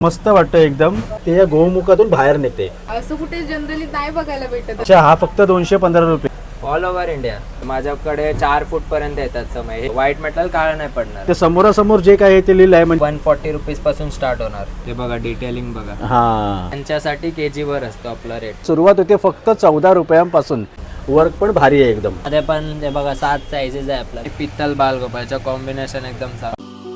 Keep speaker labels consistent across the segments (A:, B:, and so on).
A: मस्त वाटतं एकदम. ते या गोमुखातून बाहेर निघते.
B: असं कुठे जनरली नाही बघायला भेटत.
A: अच्छा, हा फक्त 215 रुपये.
C: ऑल ओव्हर इंडिया माझ्याकडे 4 फूट पर्यंत येतात समय. व्हाईट मेटल काळं नाही पडणार.
A: ते समोरासमोर जे काय आहे ते लिहिलं आहे म्हणजे
C: 140 रुपीज पासून स्टार्ट होणार. ते बघा डिटेलिंग बघा.
A: हा,
C: त्यांच्यासाठी केजी वर असतो आपला रेट.
A: सुरुवात होते फक्त 14 रुपयांपासून. वर्क पण भारी आहे एकदम.
C: मध्ये पण ते बघा 7 साईजेस आहे आपला. पित्तल बालगोपाळचं कॉम्बिनेशन एकदम साफ.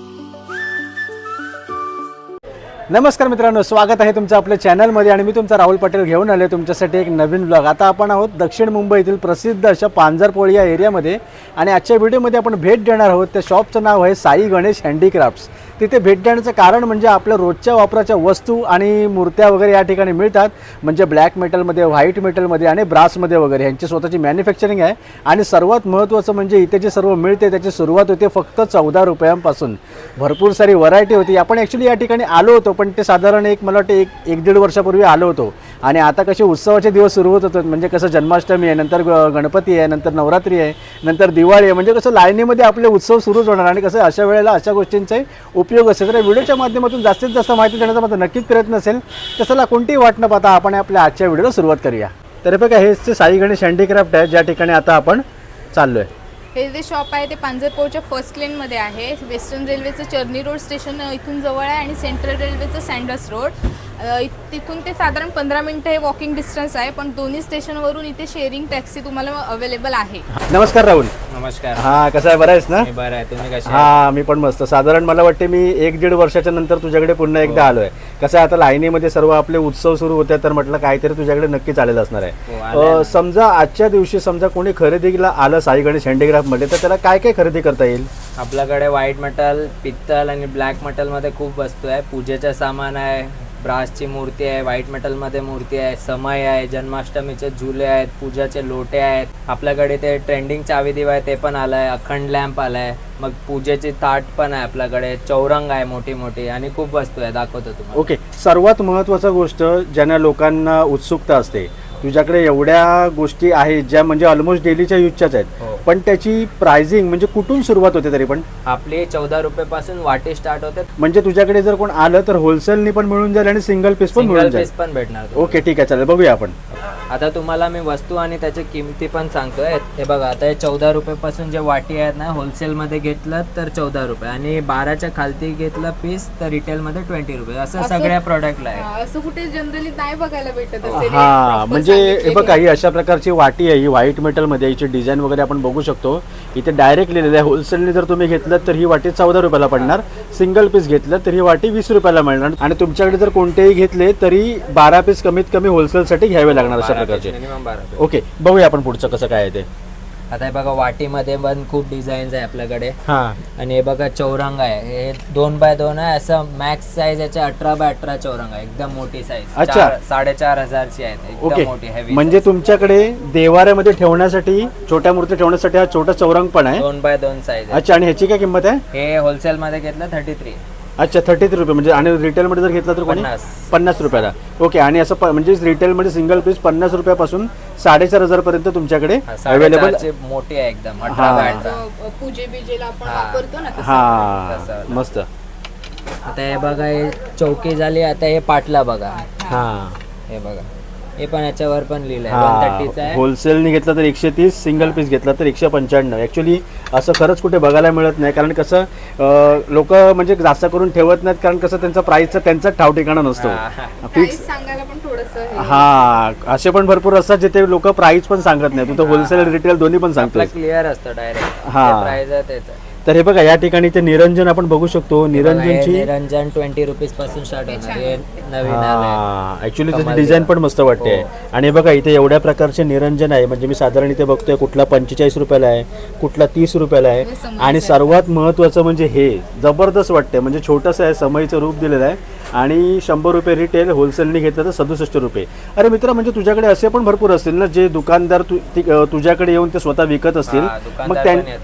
A: नमस्कार मित्रांनो, स्वागत आहे तुमचं आपल्या चॅनलमध्ये. आणि मी तुमचा राहुल पटेल घेऊन आले तुमच्यासाठी एक नवीन ब्लॉग. आता आपण आहोत दक्षिण मुंबईतील प्रसिद्ध अशा पांजरपोळी या एरियामध्ये. आणि आजच्या व्हिडिओमध्ये आपण भेट देणार आहोत. त्या शॉपचं नाव आहे साई गणेश हँडीक्राफ्ट्स. तिथे भेट देण्याचं कारण म्हणजे आपल्या रोजच्या वापराच्या वस्तू आणि मूर्त्या वगैरे या ठिकाणी मिळतात. म्हणजे ब्लॅक मेटलमध्ये, व्हाईट मेटलमध्ये आणि ब्रासमध्ये वगैरे यांची स्वतःची मॅन्युफॅक्चरिंग आहे. आणि सर्वात महत्त्वाचं म्हणजे इथे जे सर्व मिळते त्याची सुरुवात होते फक्त 14 रुपयांपासून. भरपूर सारी व्हरायटी होती. आपण ॲक्च्युली या ठिकाणी आलो होतो, पण ते साधारण मला वाटतं एक दीड वर्षापूर्वी आलो होतो. आणि आता कसे उत्सवाचे दिवस सुरू होत होते. म्हणजे कसं जन्माष्टमी आहे, नंतर गणपती आहे, नंतर नवरात्री आहे, नंतर दिवाळी आहे. म्हणजे कसं लाईनीमध्ये आपले उत्सव सुरूच होणार. आणि कसं अशा वेळेला अशा गोष्टींचा उपयोग असेल तर व्हिडिओच्या माध्यमातून जास्तीत जास्त माहिती देण्याचा माझा नक्कीच प्रयत्न असेल. तसं कोणतीही वाट न पाहता आपण आपल्या आजच्या व्हिडिओला सुरुवात करूया. तर बघा, हेच ते साई गणेश हँडीक्राफ्ट आहे ज्या ठिकाणी आता आपण चाललो आहे.
B: हे जे शॉप आहे ते पांजरपोळच्या फर्स्ट लेनमध्ये आहे. वेस्टर्न रेल्वेचं चर्नी रोड स्टेशन इथून जवळ आहे आणि सेंट्रल रेल्वेचं सँडर्स रोड. तिथून ते साधारण 15 मिनिटं हे वॉकिंग डिस्टन्स आहे. पण दोन्ही स्टेशनवरून इथे शेअरिंग टॅक्सी तुम्हाला अवेलेबल आहे.
A: नमस्कार राहुल.
C: नमस्कार.
A: हा, कसं आहे? बरं आहेस ना?
C: मी बरं आहे. तुम्ही कसे?
A: हा, मी पण मस्त. साधारण मला वाटते मी 1-1.5 वर्षाच्या नंतर तुझ्याकडे पुन्हा एकदा आलोय. कसं आहे, आता लाईनीमध्ये सर्व आपले उत्सव सुरू होते तर म्हटलं काहीतरी तुझ्याकडे नक्कीच आलेलं असणार आहे. समजा आजच्या दिवशी समजा कोणी खरेदीला आलं साई गणेश हँडीक्राफ्ट मध्ये, तर त्याला काय काय खरेदी करता येईल?
C: आपल्याकडे व्हाईट मेटल, पित्तल आणि ब्लॅक मेटल मध्ये खूप वस्तू आहे. पूजेचं सामान आहे, ब्रासची मूर्ती आहे, व्हाईट मेटलमध्ये मूर्ती आहे, समय आहे, जन्माष्टमीचे झुले आहेत, पूजाचे लोटे आहेत. आपल्याकडे ते ट्रेंडिंग चावी दिवा आहे ते पण आलं आहे, अखंड लॅम्प आला आहे, मग पूजेची ताट पण आहे आपल्याकडे, चौरंग आहे मोठी मोठी आणि खूप वस्तू आहे. दाखवतो तुम्हाला.
A: ओके, सर्वात महत्त्वाचा गोष्ट ज्यांना लोकांना उत्सुकता असते, तुझ्याकडे एवढ्या गोष्टी आहेत ज्या म्हणजे ऑलमोस्ट डेलीच्या यूजच्याच आहेत. पण त्याची प्राइसिंग म्हणजे कुठून सुरुवात होते? तरी पण
C: आपली 14 रुपये पासून वाटी स्टार्ट होते.
A: म्हणजे तुझ्याकडे जर कोण आलं तर होलसेलनी पण मिळून जाईल आणि सिंगल पीस पण मिळून जाईल.
C: पण भेटणार.
A: ओके, ठीक आहे, चालेल, बघूया आपण.
C: आता तुम्हाला मी वस्तू आणि त्याची किमती पण सांगतोय. हे बघा, आता 14 रुपये पासून जे वाटी आहेत ना, होलसेलमध्ये घेतलं तर 14 रुपये आणि 12च्या खालती घेतलं पीस तर रिटेलमध्ये 20 रुपये. असं सगळ्या प्रोडक्टला आहे.
B: असं कुठे जनरली नाही बघायला भेटत.
A: हा, म्हणजे हे बघा, ही अशा प्रकारची वाटी आहे. ही व्हाईट मेटलमध्ये, याची डिझाईन वगैरे आपण बघू शकतो. इथे डायरेक्ट लिहिलेलं आहे. होलसेलने जर तुम्ही घेतलं तर ही वाटी 14 रुपयाला पडणार. सिंगल पीस घेतलं तर ही वाटी 20 रुपयाला मिळणार. आणि तुमच्याकडे जर कोणतेही घेतले तरी 12 पीस कमीत कमी होलसेलसाठी घ्यावे लागणार अशा प्रकारचे.
C: मिनिमम 12.
A: ओके, बघूया आपण पुढचं कसं काय आहे ते.
C: आता हे बघा, वाटीमध्ये पण खूप डिझाईन्स आहे आपल्याकडे.
A: हा,
C: आणि हे बघा चौरंग आहे. हे 2x2 आहे. असं मॅक्स साईज याचे 18x18 चौरंग आहे. एकदम मोठी साईज.
A: अच्छा.
C: 4,500ची आहे. एकदम मोठी हेवी.
A: म्हणजे तुमच्याकडे देवाऱ्यामध्ये ठेवण्यासाठी, छोट्या मूर्ती ठेवण्यासाठी हा छोटा चौरंग पण आहे.
C: 2x2 size.
A: अच्छा, आणि ह्याची काय किंमत आहे?
C: हे होलसेल मध्ये घेतलं 33.
A: अच्छा, 33 रुपये. म्हणजे आणि रिटेलमध्ये जर घेतला तर कोणी 50 रुपयाला. ओके, आणि असं म्हणजे रिटेलमध्ये सिंगल पीस 50 रुपयापासून 4,500 पर्यंत तुमच्याकडे अवेलेबल.
C: मोठी आहे एकदम. 18x18.
B: पूजे बिजेला आपण वापरतो ना.
A: हा, मस्त.
C: आता हे बघा, हे चौकी झाली. आता हे पाटला बघा.
A: हा,
C: हे बघा, हे पण याच्यावर पण लिहिलंय 130 आहे.
A: होलसेलने घेतलं तर 130, सिंगल पीस घेतला तर 195. ऍक्च्युली असं खरंच कुठे बघायला मिळत नाही. कारण कसं लोक म्हणजे जास्त करून ठेवत नाहीत. कारण कसं त्यांचा प्राइसचा त्यांचाच ठाव ठिकाणा नसतो. फिक्स
B: सांगायला पण थोडंसं.
A: हा, असे पण भरपूर असतात जिथे लोक प्राइस पण सांगत नाही. तू तर होलसेल रिटेल दोन्ही पण सांगतो.
C: क्लिअर असतं डायरेक्ट.
A: हा.
C: प्राइस आहे त्याचं.
A: तर हे बघा, या ठिकाणी ते निरंजन आपण बघू शकतो. निरंजनची
C: निरंजन 20 रुपीज पासून स्टार्ट होणार. हे नवीन आलंय.
A: ऍक्च्युली त्याची डिझाईन पण मस्त वाटते. आणि बघा, इथे एवढ्या प्रकारचे निरंजन आहे. म्हणजे मी साधारण इथे बघतोय कुठला 45 रुपयाला आहे, कुठला 30 रुपयाला आहे. आणि सर्वात महत्त्वाचं म्हणजे हे जबरदस्त वाटते. म्हणजे छोटंसं आहे, समईचं रूप दिलेलं आहे. आणि 100 रुपये रिटेल, होलसेलने घेतलं तर 67 रुपये. अरे मित्र, म्हणजे तुझ्याकडे असे पण भरपूर असतील ना जे दुकानदार तुझ्याकडे येऊन ते स्वतः विकत असतील. मग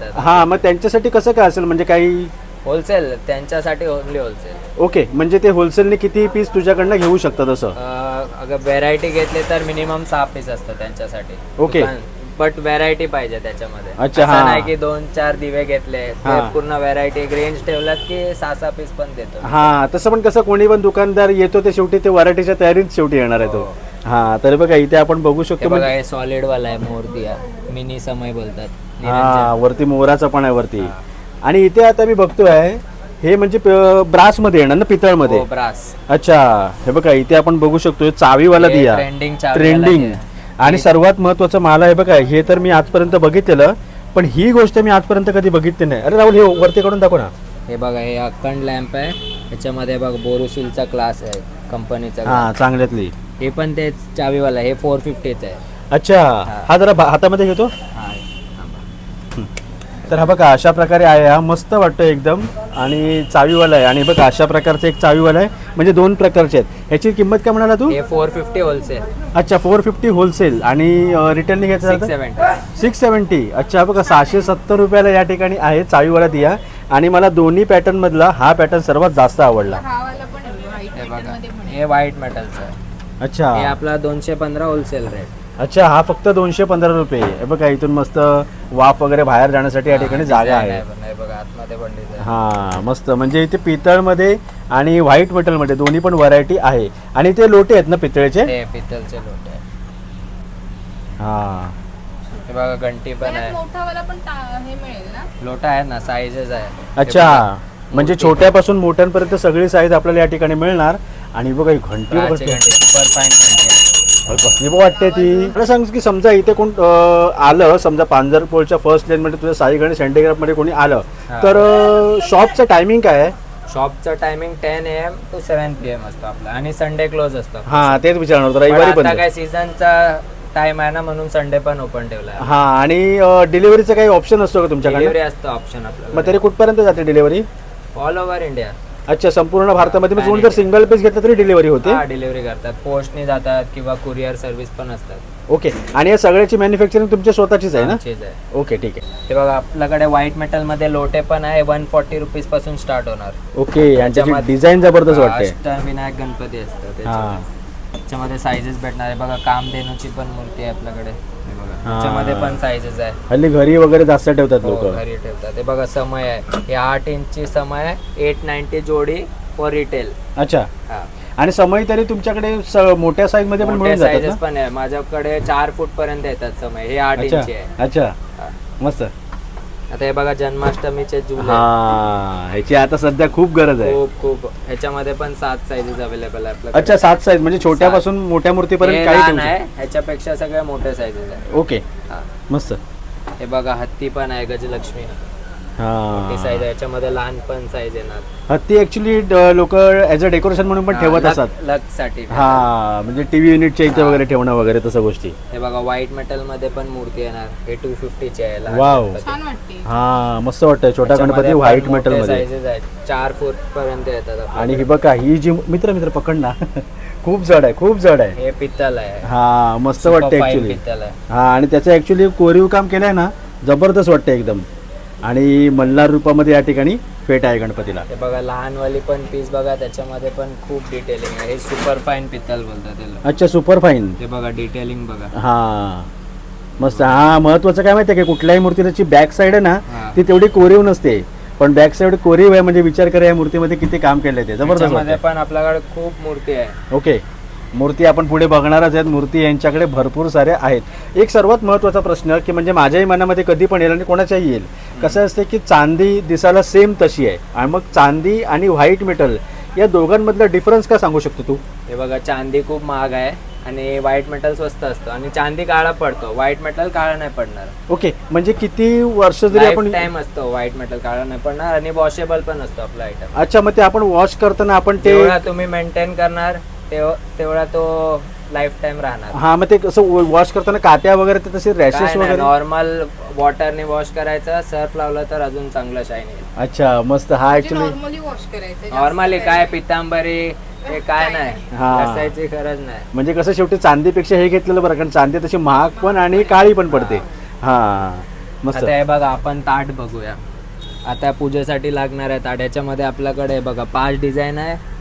A: मग त्यांच्यासाठी कसं काय असेल? म्हणजे काही
C: होलसेल त्यांच्यासाठी ओनली होलसेल.
A: ओके, म्हणजे ते होलसेलने किती पीस तुझ्याकडनं घेऊ शकतात असं?
C: अगर व्हेरायटी घेतली तर मिनिमम 6 पीस असतं त्यांच्यासाठी.
A: ओके.
C: बट व्हरायटी पाहिजे त्याच्यामध्ये.
A: अच्छा,
C: असं
A: हा.
C: नाही की 2-4 दिवे घेतले, ते
A: हा.
C: पूर्ण व्हरायटी एक रेंज ठेवलात की 6-6 पीस पण देतो.
A: हा तसं पण कसं कोणी पण दुकानदार येतो ते शेवटी ते व्हरायटीच्या तयारीत शेवटी येणार आहे तो. हा तर बघा इथे आपण बघू
C: हे
A: शकतो
C: बघा
A: म्हणजे
C: हे सॉलिड वाला आहे मोरदिया, मिनी समय बोलतात.
A: हा वरती मोराचा पण आहे वरती. आणि इथे आता मी बघतोय हे म्हणजे ब्रास मध्ये येणार ना, पितळमध्ये.
C: हो, ब्रास.
A: अच्छा हे बघा इथे आपण बघू शकतो चावीवाला
C: हे
A: दिया,
C: trending
A: ट्रेंडिंग. आणि सर्वात महत्वाचं मला हे बघा हे तर मी आजपर्यंत बघितलेलं, पण ही गोष्ट मी आजपर्यंत कधी बघितली नाही. अरे राहुल हे वरती काढून दाखव ना.
C: हे बघा हे अखंड लॅम्प आहे, त्याच्यामध्ये बघ बोरोसिलचा क्लास आहे कंपनीचा.
A: हा चांगल्यातली.
C: हे पण तेच चावीवाला, हे 450च आहे.
A: अच्छा हा जरा हातामध्ये घेतो.
C: हा,
A: तर हा बघा अशा प्रकारे आहे, हा मस्त वाटतं एकदम. आणि चावीवाला आहे. आणि बघा अशा प्रकारचं एक चावीवाला आहे, म्हणजे 2 प्रकारचे आहेत. ह्याची किंमत काय म्हणाला तू?
C: हे 450 होलसेल.
A: अच्छा 450 होलसेल आणि रिटेलने घ्यायचं झालं तर?
C: 670.
A: 670. अच्छा बघा 670 रुपयाला या ठिकाणी आहे चावीवाला दिया. आणि मला दोन्ही पॅटर्न मधला हा पॅटर्न सर्वात जास्त आवडला.
B: हा वाला पण आहे white
C: हे
B: pattern
C: बघा
B: मध्ये पण आहे.
C: हे व्हाईट मेटलचं आहे.
A: अच्छा
C: हे आपला 215 होलसेल रेट.
A: अच्छा हा फक्त 215 रुपये. हे बघा इथून मस्त वाफ वगैरे बाहेर जाण्यासाठी या ठिकाणी जागा आहे.
C: हे बघा आतमध्ये पण डिझाइन.
A: हा मस्त, म्हणजे इथे पितळमध्ये आणि व्हाईट मेटलमध्ये दोन्ही पण व्हरायटी आहे. आणि ते लोटे आहेत ना पितळेचे?
C: हे पितलचे लोटे आहे.
A: हा
C: हे बघा घंटी पण
B: त्यात
C: आहे.
B: मोठा वाला पण हे मिळेल ना.
C: लोटा आहे ना, साईजेस आहे. हे
A: अच्छा
C: बघा,
A: म्हणजे
C: मोठी
A: छोट्यापासून मोठ्यांपर्यंत सगळी साईज आपल्याला या ठिकाणी मिळणार. आणि बघा ही घंटी
C: ब्राची घंटी सुपर फाईन घंटी आहे.
A: कसली पण वाटते ती. मला सांग की समजा इथे कोण आलं, समजा पांजरपोळच्या फर्स्ट लेन मध्ये तुझ्या साईगण सेंटीग्राफ मध्ये कोणी आलं तर शॉपचं टायमिंग काय आहे?
C: शॉपचं टायमिंग 10 AM to 7 PM असतो आपला, आणि संडे क्लोज असतो.
A: हा तेच विचारणार होतं,
C: पण
A: रविवारी पण.
C: आता काय सीझनचा टाइम आहे ना, म्हणून संडे पण ओपन ठेवला.
A: हा आणि डिलिव्हरीचा काही ऑप्शन असतो का तुमच्याकडे?
C: डिलिव्हरी असतो ऑप्शन आपल्याला.
A: मग तरी कुठपर्यंत जाते डिलिव्हरी?
C: All over India.
A: अच्छा संपूर्ण भारतामध्ये. मग कोणी जर सिंगल पीस घेतलं तरी डिलिव्हरी होते?
C: हा डिलिव्हरी करतात, पोस्टने जातात किंवा कुरिअर सर्व्हिस पण असतात.
A: ओके. आणि या सगळ्याची मॅन्युफॅक्चरिंग तुमच्या स्वतःचीच आहे ना?
C: आमचीच आहे.
A: ओके ठीक आहे.
C: ते बघा आपल्याकडे व्हाईट मेटल मध्ये लोटे पण आहे, 140 रुपीज पासून स्टार्ट होणार.
A: ओके. यांची
C: त्याच्यामध्ये-
A: डिझाईन जबरदस्त
C: हा,
A: वाटते.
C: अष्टविनायक गणपती असतं
A: हा
C: त्याच्यामध्ये साईजेस भेटणार आहे. बघा कामधेनूची पण मूर्ती आहे आपल्याकडे. हे बघा
A: हा.
C: त्याच्यामध्ये पण साईजेस आहे.
A: हल्ली घरी वगैरे जास्त ठेवतात
C: हो,
A: लोक.
C: घरी ठेवतात. हे बघा समय आहे, हे 8 इंचची समय आहे, 890 जोडी फॉर रिटेल.
A: अच्छा.
C: हा
A: आणि समय तरी तुमच्याकडे मोठ्या साईज मध्ये पण
C: मोठे
A: मिळून जातात
C: साईजेस
A: ना?
C: पण आहे माझ्याकडे, 4 फूट पर्यंत येतात समय. हे 8
A: अच्छा
C: इंची आहे.
A: अच्छा
C: हा.
A: मस्त.
C: आता हे बघा जन्माष्टमीचे झुले.
A: हा ह्याची आता सध्या खूप गरज आहे.
C: खूप ह्याच्यामध्ये पण 7 साईजेस अवेलेबल आहे आपल्याकडे.
A: अच्छा 7 साईज म्हणजे छोट्यापासून मोठ्या मूर्तीपर्यंत
C: हे
A: काही
C: लहान
A: ठेवू
C: आहे, ह्याच्यापेक्षा सगळ्या मोठ्या साईजेस आहे.
A: शकतो. ओके
C: हा.
A: मस्त.
C: हे बघा हत्ती पण आहे, गजलक्ष्मी. ती
A: हा
C: साईज आहे, याच्यामध्ये लहान पण साईज येणार.
A: हत्ती ऍक्च्युली लोक ऍज अ डेकोरेशन म्हणून पण ठेवत असतात.
C: लक साठी.
A: हा म्हणजे टीव्ही युनिटच्या इथे वगैरे ठेवणं वगैरे तसं गोष्टी.
C: हे बघा व्हाईट मेटल मध्ये पण मूर्ती येणार. हे 250 ची आहे लहान
A: वाव.
C: गणपती.
B: छान वाटते.
A: हा मस्त वाटतंय छोटा
C: याच्यामध्ये
A: गणपती
C: पण
A: व्हाईट
C: मोठे
A: मेटल मध्ये.
C: साईजेस आहेत, 4 फूट पर्यंत येतात आपल्याकडे.
A: आणि ही बघा ही जी मित्र पकड ना खूप जड आहे, खूप जड आहे.
C: हे पित्तल आहे.
A: हा मस्त
C: Super
A: वाटतं
C: fine
A: ऍक्च्युली.
C: पित्तल आहे.
A: हा आणि त्याचं ऍक्च्युली कोरीव काम केलंय ना, जबरदस्त वाटतं एकदम. आणि मल्हार रूपामध्ये या ठिकाणी फेट आहे गणपतीला.
C: हे बघा लहानवाली पण पीस बघा, त्याच्यामध्ये पण खूप डिटेलिंग आहे. हे सुपर फाईन पित्तल बोलतात त्याला.
A: अच्छा सुपर फाईन.
C: हे बघा डिटेलिंग बघा.
A: हा मस्त. हा महत्वाचं काय माहितीये की कुठल्याही मूर्तीची बॅक साईड आहे ना
C: हा.
A: ती तेवढी कोरीव नसते, पण बॅक साईड कोरीव आहे म्हणजे विचार करा या मूर्तीमध्ये किती काम केलंय ते. जबरदस्त
C: त्याच्यामध्ये
A: वाटतंय.
C: पण आपल्याकडे खूप मूर्ती आहे.
A: ओके. मूर्ती आपण पुढे बघणारच आहेत. मूर्ती यांच्याकडे भरपूर साऱ्या आहेत. एक सर्वात महत्त्वाचा प्रश्न की म्हणजे माझ्याही मनामध्ये कधी पण येईल आणि कोणाच्याही येईल, कसं असते की चांदी दिसायला सेम तशी आहे आणि मग चांदी आणि व्हाईट मेटल या दोघांमधला डिफरन्स काय सांगू शकतो तू?
C: हे बघा चांदी खूप महाग आहे आणि व्हाईट मेटल स्वस्त असतं, आणि चांदी काळा पडतो, व्हाईट मेटल काळा नाही पडणार.
A: ओके. म्हणजे किती वर्ष जरी आपण
C: टाइम असतो, व्हाईट मेटल काळा नाही पडणार, आणि वॉशेबल पण असतो आपला आयटम.
A: अच्छा मग ते आपण वॉश करताना आपण ते
C: तेवढा तुम्ही मेंटेन करणार तेवढा तो लाईफ टाइम राहणार.
A: हा मग ते कसं वॉश करताना कात्या वगैरे ते तसे रॅशेस वगैरे?
C: नॉर्मल वॉटरने वॉश करायचं, सर्फ लावलं तर अजून चांगलं शाईन येईल.
A: अच्छा मस्त. हा ऍक्च्युली
B: नॉर्मली वॉश करायचं.
C: नॉर्मली काय पितांबरी हे काय नाही,
A: हा.
C: घासायची गरज नाही.
A: म्हणजे कसं शेवटी चांदीपेक्षा हे घेतलेलं बरं, कारण चांदी तशी महाग पण आणि काळी पण पडते. हा मस्त.
C: आता हे बघा आपण ताट बघूया. आता पूजेसाठी लागणार आहे ताट. याच्यामध्ये आपल्याकडे बघा 5 डिझाईन आहे,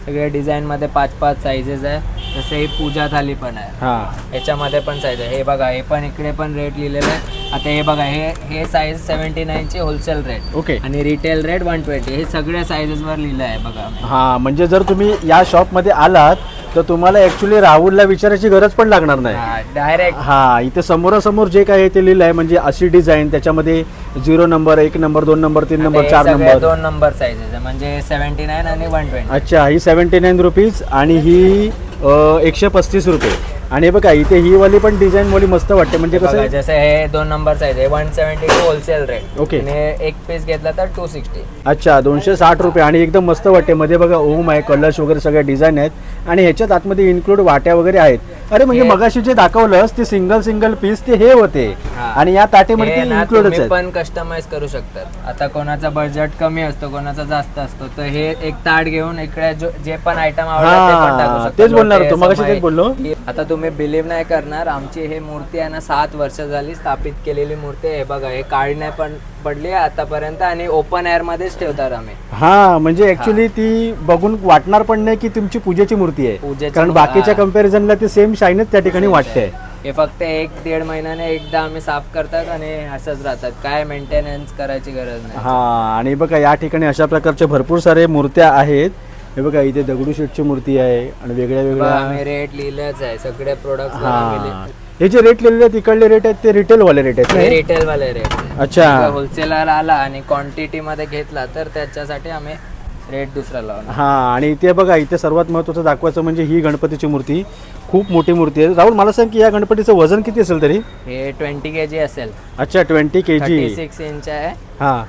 C: सगळे डिझाईन मध्ये 5-5 साईजेस आहे. जसे ही पूजा थाली पण आहे,
A: हां
C: याच्यामध्ये पण साईज आहे. हे बघा, हे पण इकडे पण रेट लिहिलेलं आहे. आता हे बघा, हे साईज 79 ची होलसेल रेट
A: ओके.
C: आणि रिटेल रेट 120. हे सगळ्या साईजेस वर लिहिलं आहे बघा.
A: हां म्हणजे जर तुम्ही या शॉपमध्ये आलात तर तुम्हाला ॲक्च्युली राहुलला विचारायची गरज पण लागणार नाही.
C: डायरेक्ट
A: हां इथे समोरासमोर जे काय आहे ते लिहिलं आहे. म्हणजे अशी डिझाईन, त्याच्यामध्ये 0 number, 1 number, 2 number, 3 number, 4 number,
C: 2 number sizes आहे. म्हणजे 79 आणि 120.
A: अच्छा ही 79 रुपीज आणि ही 135 रुपये. आणि हे बघा इथे ही वाली पण डिझाईन वाली मस्त वाटते. म्हणजे कसं
C: बघा,
A: आहे,
C: जसं हे 2 नंबर साईज आहे 172 होलसेल रेट.
A: ओके.
C: आणि एक पीस घेतला तर 260.
A: अच्छा 260 रुपये. आणि एकदम मस्त वाटते. मध्ये बघा ओम आहे, कलर्स वगैरे सगळ्या डिझाईन आहेत आणि ह्याच्यात आतमध्ये इन्क्लूड वाट्या वगैरे आहेत. अरे म्हणजे मगाशी जे दाखवलंस ते सिंगल पीस ते हे होते
C: हा.
A: आणि या ताटेमध्ये
C: हे
A: ते
C: ना
A: इन्क्लूडच
C: तुम्ही
A: आहेत.
C: पण कस्टमाइज करू शकतात. आता कोणाचा बजेट कमी असतो, कोणाचा जास्त असतो, तर हे एक ताट घेऊन इकडे जे पण आयटम आवडतात ते पण टाकू शकता.
A: तेच बोलणार
C: लोटे,
A: होतो, मगाशी
C: समय.
A: तेच बोललो.
C: आता तुम्ही बिलीव्ह नाही करणार, आमची हे मूर्ती आहे ना 7 वर्ष झाली स्थापित केलेली मूर्ती आहे. हे बघा, हे काळी नाही पण पडली आतापर्यंत आणि ओपन एअर मध्येच ठेवतात आम्ही.
A: हा म्हणजे ऍक्च्युली ती बघून वाटणार पण नाही की तुमची पूजेची मूर्ती आहे,
C: पूजेची
A: कारण बाकीच्या कम्पॅरिझनला ती सेम शाईनच त्या ठिकाणी वाटते.
C: हे फक्त 1-1.5 महिन्याने एकदा आम्ही साफ करतात आणि असंच राहतात. काय मेंटेनन्स करायची गरज नाही.
A: हा आणि बघा या ठिकाणी अशा प्रकारच्या भरपूर सारे मूर्त्या आहेत. हे बघा इथे दगडूशेठची मूर्ती आहे आणि वेगळ्या
C: बघा,
A: वेगळ्या.
C: आम्ही रेट लिहिलेच आहे सगळे प्रोडक्ट.
A: हा हे जे रेट लिहिलेले आहेत तिकडले रेट आहेत ते रिटेल वाले रेट आहेत ना?
C: रिटेल वाले रेट.
A: अच्छा.
C: होलसेलर आला आणि क्वांटिटी मध्ये घेतला तर त्याच्यासाठी आम्ही रेट दुसरा लावणार.
A: हा आणि इथे बघा, इथे सर्वात महत्त्वाचं दाखवायचं म्हणजे ही गणपतीची मूर्ती खूप मोठी मूर्ती आहे. राहुल मला सांग की या गणपतीचं वजन किती असेल तरी?
C: हे 20 kg असेल.
A: अच्छा 20 kg.
C: 36 इंच आहे.
A: हा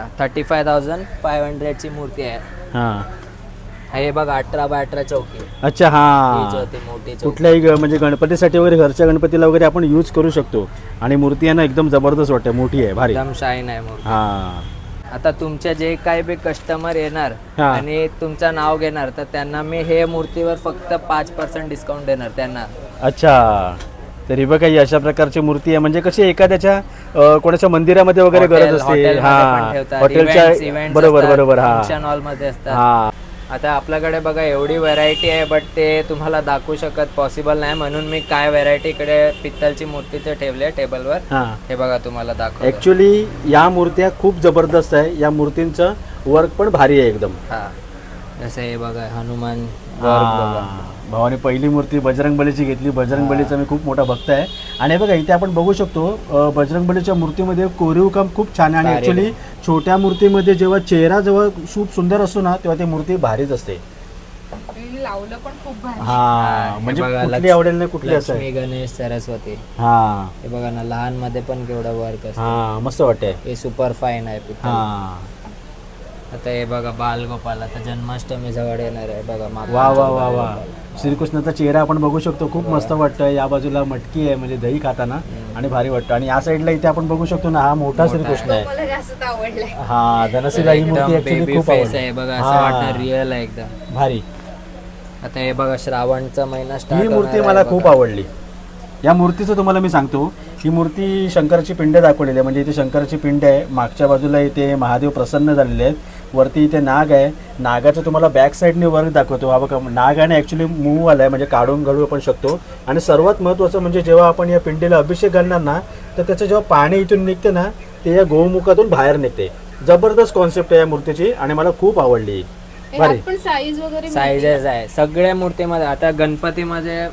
C: 35,500 ची मूर्ती आहे.
A: हा
C: हे बघा 18x18 चौकी.
A: अच्छा.
C: ही
A: हा
C: जी होती मोठी चौकी.
A: कुठल्याही म्हणजे गणपतीसाठी वगैरे घरच्या गणपतीला वगैरे आपण यूज करू शकतो. आणि मूर्ती आहे ना एकदम जबरदस्त वाटते, मोठी आहे, भारी.
C: एकदम शाईन आहे मूर्ती.
A: हा
C: आता तुमचे जे काही बी कस्टमर येणार
A: हा.
C: आणि तुमचं नाव घेणार तर त्यांना मी हे मूर्तीवर फक्त 5% डिस्काउंट देणार त्यांना.
A: अच्छा तरी बघा ही अशा प्रकारची मूर्ती आहे. म्हणजे कशी एखाद्याच्या कोणाच्या मंदिरामध्ये वगैरे
C: हॉटेल-
A: गरज असते.
C: हॉटेलमध्ये पण
A: हा
C: ठेवतात.
A: हॉटेलच्या
C: Events
A: बरोबर
C: असतात,
A: बरोबर. हा
C: फंक्शन हॉल मध्ये असतात.
A: हा
C: आता आपल्याकडे बघा एवढी व्हरायटी आहे, बट ते तुम्हाला दाखवू शकत पॉसिबल नाही, म्हणून मी काय व्हरायटी इकडे पित्तलची मूर्तीचे ठेवले टेबलवर.
A: हा
C: हे बघा तुम्हाला दाखव.
A: ऍक्च्युली या मूर्त्या खूप जबरदस्त आहे. या मूर्तींचं वर्क पण भारी आहे एकदम.
C: हा जसं हे बघा हनुमान work बघा.
A: भावाने पहिली मूर्ती बजरंगबलीची घेतली. बजरंगबलीचा मी खूप मोठा भक्त आहे. आणि हे बघा इथे आपण बघू शकतो बजरंगबलीच्या मूर्तीमध्ये कोरीव काम खूप छान आहे. आणि ऍक्च्युली छोट्या मूर्तीमध्ये जेव्हा चेहरा जेव्हा खूप सुंदर असतो ना तेव्हा ती मूर्ती भारीच असते.
B: लावलं पण खूप भारी.
A: हा म्हणजे
C: हे बघा,
A: कुठली आवडेल नाही कुठली असं
C: लक्ष्मी,
A: आहे.
C: गणेश, सरस्वती.
A: हा
C: हे बघा ना लहान मध्ये पण केवढं वर्क असतं.
A: हा मस्त वाटते.
C: हे सुपर फाईन आहे पित्तल.
A: हा
C: आता हे बघा बालगोपाल, आता जन्माष्टमी जवळ येणार आहे बघा.
A: वा वा वा वा. श्रीकृष्णाचा चेहरा आपण बघू शकतो, खूप मस्त वाटतं. या बाजूला मटकी आहे म्हणजे दही खाताना आणि भारी वाटतं. आणि या साईडला इथे आपण बघू शकतो ना हा मोठा श्रीकृष्ण आहे.
B: मला जास्त आवडलाय.
A: हा धनश्रीला ही मूर्ती
C: एकदम
A: ऍक्च्युली
C: बेबी
A: खूप
C: फेस
A: आवडली.
C: आहे बघा, असं
A: हा.
C: वाटतं रिअल आहे एकदम
A: भारी.
C: आता हे बघा श्रावणचा महिना स्टार्ट.
A: ही मूर्ती मला खूप आवडली. या मूर्तीचं तुम्हाला मी सांगतो, ही मूर्ती शंकराची पिंड दाखवलेली आहे. म्हणजे इथे शंकराची पिंड आहे, मागच्या बाजूला इथे महादेव प्रसन्न झालेले आहेत, वरती इथे नाग आहे. नागाचं तुम्हाला बॅक साईडने वर्क दाखवतो. हा बघा नाग आहे ॲक्च्युली मूव आला आहे, म्हणजे काढून घालू आपण शकतो. आणि सर्वात महत्त्वाचं म्हणजे जेव्हा आपण या पिंडीला अभिषेक घालणार ना तर त्याचं जेव्हा पाणी इथून निघते ना ते या गोमुखातून बाहेर निघते. जबरदस्त कॉन्सेप्ट आहे या मूर्तीची आणि मला खूप आवडली. भारी.
B: पण साईज वगैरे
C: साईजेस आहे सगळ्या मूर्तीमध्ये. आता गणपतीमध्ये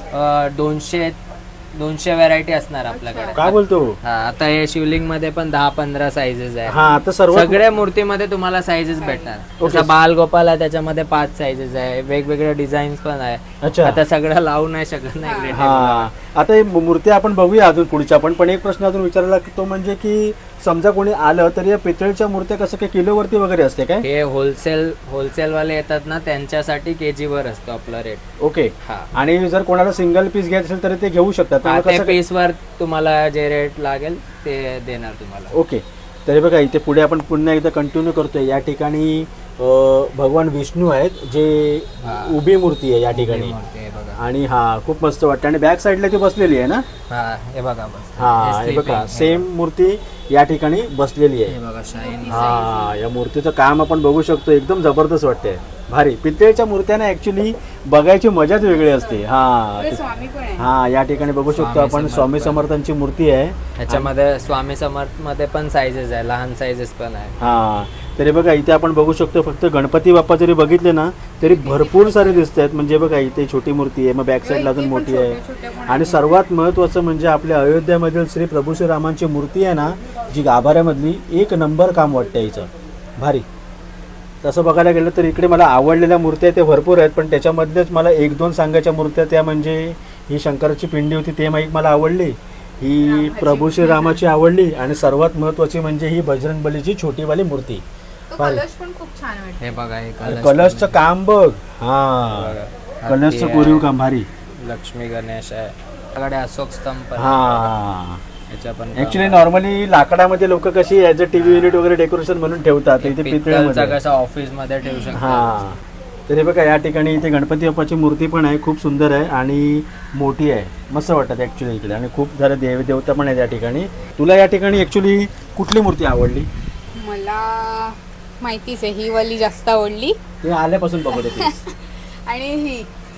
C: 200 व्हरायटी असणार आपल्याकडे.
A: काय बोलतो?
C: हा आता हे शिवलिंग मध्ये पण 10-15 साईजेस आहे.
A: हा आता सर्व
C: सगळ्या मूर्तीमध्ये तुम्हाला साईजेस भेटणार. जसं बालगोपाल आहे त्याच्यामध्ये 5 साईजेस आहे, वेगवेगळे डिझाईन्स पण आहे.
A: अच्छा.
C: आता सगळं लावू नाही शकत नाही.
A: हा आता ही मूर्ती आपण बघूया अजून पुढच्या पण एक प्रश्न अजून विचारायला तो म्हणजे की समजा कोणी आलं तर या पितळेच्या मूर्त्या कसं काय किलोवरती वगैरे असते काय?
C: हे होलसेल वाले येतात ना त्यांच्यासाठी केजी वर असतो आपला रेट.
A: ओके.
C: हा
A: आणि जर कोणाला सिंगल पीस घ्यायचं असेल तर ते घेऊ शकतात. तर मग
C: ते
A: कसं
C: पीस वर तुम्हाला जे रेट लागेल ते देणार तुम्हाला.
A: ओके. तरी बघा इथे पुढे आपण पुन्हा एकदा कंटिन्यू करतोय. या ठिकाणी भगवान विष्णू आहेत जे उभी मूर्ती आहे या ठिकाणी
C: मूर्ती आहे बघा.
A: आणि हा खूप मस्त वाटतं आणि बॅक साईडला ती बसलेली आहे ना.
C: हा हे बघा बस.
A: हा हे बघा सेम मूर्ती या ठिकाणी बसलेली
C: हे
A: आहे.
C: बघा शाईन.
A: हा या मूर्तीचं काम आपण बघू शकतो एकदम जबरदस्त वाटते भारी. पितळेच्या मूर्त्यांना ऍक्च्युली बघायची मजाच वेगळी असते.
B: स्वामी पण आहे.
A: हा या ठिकाणी बघू शकतो आपण स्वामी समर्थांची मूर्ती आहे.
C: ह्याच्यामध्ये स्वामी समर्थ मध्ये पण साईजेस आहे, लहान साईजेस पण आहे.
A: हा तरी बघा इथे आपण बघू शकतो फक्त गणपती बाप्पा जरी बघितले ना तरी भरपूर सारे दिसत आहेत. म्हणजे बघा इथे छोटी मूर्ती आहे, मग बॅक साईडला अजून मोठी आहे आणि सर्वात महत्त्वाचं म्हणजे आपल्या अयोध्यामधील श्री प्रभू श्रीरामांची मूर्ती आहे ना जी गाभाऱ्यामधली एक नंबर काम वाटतं हिचं भारी. तसं बघायला गेलं तर इकडे मला आवडलेल्या मूर्त्या ते भरपूर आहेत पण त्याच्यामधलेच मला एक दोन सांगायच्या मूर्त्या त्या म्हणजे ही शंकराची पिंडी होती ते मला आवडली, ही प्रभू श्रीरामाची आवडली आणि सर्वात महत्त्वाची म्हणजे ही बजरंगबलीची छोटीवाली मूर्ती.
B: कलश पण खूप छान वाटतं.
C: हे बघा हे
A: आणि कलशचं काम बघ. हा कलशचं कोरीव काम भारी.
C: लक्ष्मी गणेश आहे आपल्याकडे, अशोक स्तंभ पण आहे.
A: हा
C: ह्याच्या पण
A: ऍक्च्युली नॉर्मली लाकडामध्ये लोक कशी ॲज अ टीव्ही युनिट वगैरे डेकोरेशन म्हणून ठेवतात इथे
C: पितळचा
A: पितळ्यामध्ये.
C: कसा ऑफिस मध्ये ठेवू शकतो.
A: हा तरी बघा या ठिकाणी इथे गणपती बाप्पाची मूर्ती पण आहे, खूप सुंदर आहे आणि मोठी आहे, मस्त वाटतात ॲक्च्युली इकडे आणि खूप सारे देवता पण आहेत या ठिकाणी. तुला या ठिकाणी ॲक्च्युली कुठली मूर्ती आवडली?
B: मला माहितीच आहे ही वाली जास्त आवडली
A: ते आल्यापासून बघत होते.
B: आणि ही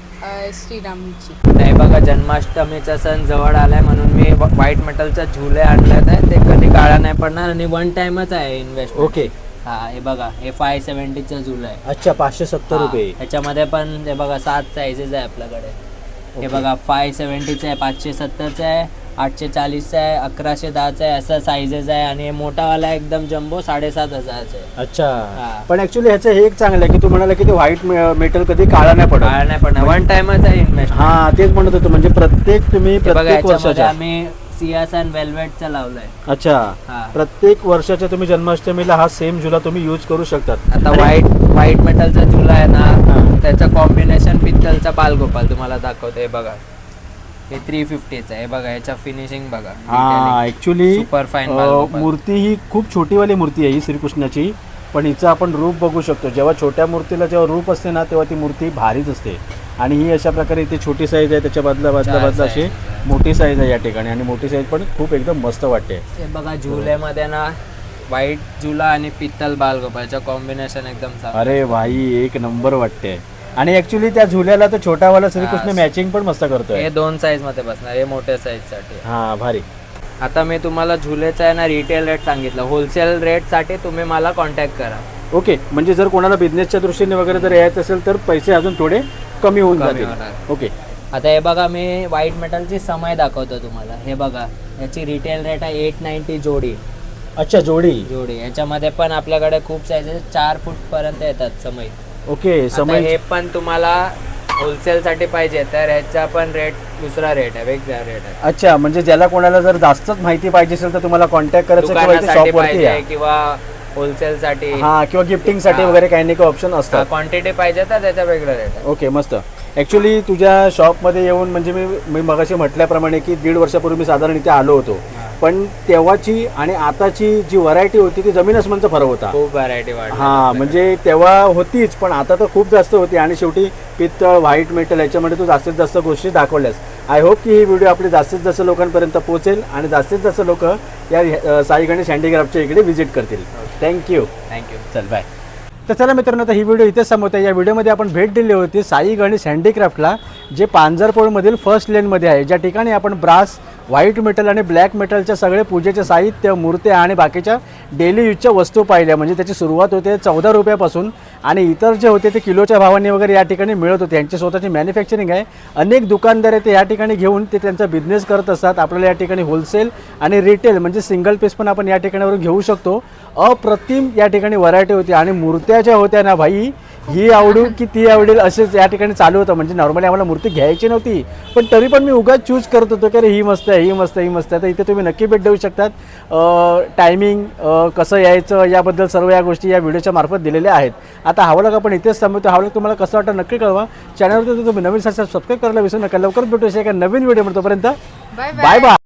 B: श्रीरामची.
C: नाही बघा जन्माष्टमीचा सण जवळ आलाय म्हणून मी व्हाईट मेटलचा झुले आणलेत आहे, ते कधी काळा नाही पडणार आणि वन टाइमच आहे इन्व्हेस्ट.
A: ओके.
C: हा हे बघा हे 570चा झुला आहे.
A: अच्छा 570 रुपये.
C: ह्याच्यामध्ये पण हे बघा 7 साईजेस आहे आपल्याकडे. हे बघा 570चा आहे, 570चा आहे, 840चा आहे, 1110चा आहे, असा साईजेस आहे आणि मोठावाला एकदम जम्बो 7500चा आहे.
A: अच्छा
C: हा.
A: पण ऍक्च्युली ह्याचं हे एक चांगलं आहे की तू म्हणाला की ते व्हाईट मेटल कधी काळा नाही पडत.
C: काळा नाही पडणार, वन टाइमच आहे इन्व्हेस्ट.
A: हा तेच म्हणत होतो म्हणजे प्रत्येक तुम्ही
C: बघा
A: प्रत्येक
C: याच्यामध्ये
A: वर्षाच्या.
C: आम्ही सियासन वेल्वेटचा लावलाय.
A: अच्छा
C: हा.
A: प्रत्येक वर्षाच्या तुम्ही जन्माष्टमीला हा सेम झुला तुम्ही यूज करू शकतात.
C: आता
A: आणि-
C: व्हाईट मेटलचा झुला आहे
A: हा.
C: ना त्याचं कॉम्बिनेशन पित्तलचा बालगोपाल तुम्हाला दाखवतो. हे बघा हे 350चा आहे. हे बघा ह्याच्या फिनिशिंग बघा.
A: हा ऍक्च्युली
C: सुपर फाईन बालगोपाल.
A: मूर्ती ही खूप छोटीवाली मूर्ती आहे ही श्रीकृष्णाची, पण हिचं आपण रूप बघू शकतो. जेव्हा छोट्या मूर्तीला जेव्हा रूप असते ना तेव्हा ती मूर्ती भारीच असते. आणि ही अशा प्रकारे इथे छोटी साईज आहे, त्याच्या बाजूला अशी मोठी साईज आहे या ठिकाणी आणि मोठी साईज पण खूप एकदम मस्त वाटते.
C: हे बघा झुल्यामध्ये ना व्हाईट झुला आणि पित्तल बालगोपालचं कॉम्बिनेशन एकदम चांगलं.
A: अरे भाई एक नंबर वाटते. आणि ऍक्च्युली त्या झुल्याला तर छोटावाला श्रीकृष्ण मॅचिंग पण मस्त करतोय.
C: हे 2 साईज मध्ये बसणार, हे मोठ्या साईज साठी.
A: हा भारी.
C: आता मी तुम्हाला झुलेचा आहे ना रिटेल रेट सांगितलं, होलसेल रेट साठी तुम्ही मला कॉन्टॅक्ट करा.
A: ओके म्हणजे जर कोणाला बिझनेसच्या दृष्टीने वगैरे जर यायचं असेल तर पैसे अजून थोडे कमी होऊन
C: कमी
A: जातील.
C: होणार.
A: ओके.
C: आता हे बघा मी व्हाईट मेटलची समय दाखवतो तुम्हाला. हे बघा याची रिटेल रेट आहे 890 जोडी.
A: अच्छा जोडी.
C: याच्यामध्ये पण आपल्याकडे खूप साईजेस 4 फूट पर्यंत येतात समय.
A: ओके
C: आता
A: समय.
C: हे पण तुम्हाला होलसेल साठी पाहिजे तर ह्याचा पण रेट दुसरा रेट आहे, वेगळा रेट आहे.
A: अच्छा म्हणजे ज्याला कोणाला जर जास्तच माहिती पाहिजे असेल तर तुम्हाला कॉन्टॅक्ट करायचं किंवा इथे
C: दुकानासाठी
A: शॉप वरती
C: पाहिजे
A: या.
C: किंवा होलसेल साठी
A: हा किंवा गिफ्टिंग साठी
C: हा.
A: वगैरे काही नाही काही ऑप्शन असतात.
C: क्वांटिटी पाहिजे तर त्याचा वेगळा रेट आहे.
A: ओके मस्त. ॲक्च्युली तुझ्या शॉपमध्ये येऊन म्हणजे मी मगाशी म्हटल्याप्रमाणे की 1.5 वर्षापूर्वी मी साधारण इथे आलो होतो, पण तेव्हाची आणि आताची जी व्हरायटी होती ती जमीन अस्मानचा फरक होता.
C: खूप व्हरायटी वाढली.
A: हा म्हणजे तेव्हा होतीच पण आता तर खूप जास्त होती आणि शेवटी पित्तळ व्हाईट मेटल याच्यामध्ये तू जास्तीत जास्त गोष्टी दाखवल्यास. आय होप की ही व्हिडिओ आपली जास्तीत जास्त लोकांपर्यंत पोहोचेल आणि जास्तीत जास्त लोक या साई गणेश हँडीक्राफ्टच्या इकडे व्हिजिट करतील. थँक्यू. चल बाय. तर चला मित्रांनो आता ही व्हिडिओ इथेच संपवते. या व्हिडिओमध्ये आपण भेट दिली होती साई गणेश हँडीक्राफ्टला जे पांजरपोळमधील फर्स्ट लेनमध्ये आहे, ज्या ठिकाणी आपण brass white metal and black मेटलच्या सगळे पूजेचे साहित्य, मूर्त्या आणि बाकीच्या डेली यूजच्या वस्तू पाहिल्या. म्हणजे त्याची सुरुवात होते 14 रुपयापासून आणि इतर जे होते ते किलोच्या भावाने वगैरे या ठिकाणी मिळत होते. यांची स्वतःची मॅन्युफॅक्चरिंग आहे. अनेक दुकानदार आहे ते या ठिकाणी घेऊन ते त्यांचा बिझनेस करत असतात. आपल्याला या ठिकाणी होलसेल आणि रिटेल म्हणजे सिंगल पीस पण आपण या ठिकाणावरून घेऊ शकतो. अप्रतिम या ठिकाणी व्हरायटी होती आणि मूर्त्या ज्या होत्या ना भाई ही आवडू की ती आवडेल असेच या ठिकाणी चालू होतं. म्हणजे नॉर्मली आम्हाला मूर्ती घ्यायची नव्हती पण तरी पण मी उगाच चूज करत होतो की अरे ही मस्त आहे, ही मस्त आहे, ही मस्त आहे. तर इथे तुम्ही नक्की भेट देऊ शकतात. टायमिंग कसं यायचं याबद्दल सर्व या गोष्टी या व्हिडिओच्या मार्फत दिलेल्या आहेत. आता हा व्लॉग आपण इथेच थांबवतो. हा व्लॉग तुम्हाला कसं वाटतं नक्की कळवा. चॅनलवरती तुम्ही नवीन सबस्क्राईब करायला विसरू नका. लवकर भेटू एका नवीन व्हिडिओ. तोपर्यंत
B: बाय
A: बाय बाय.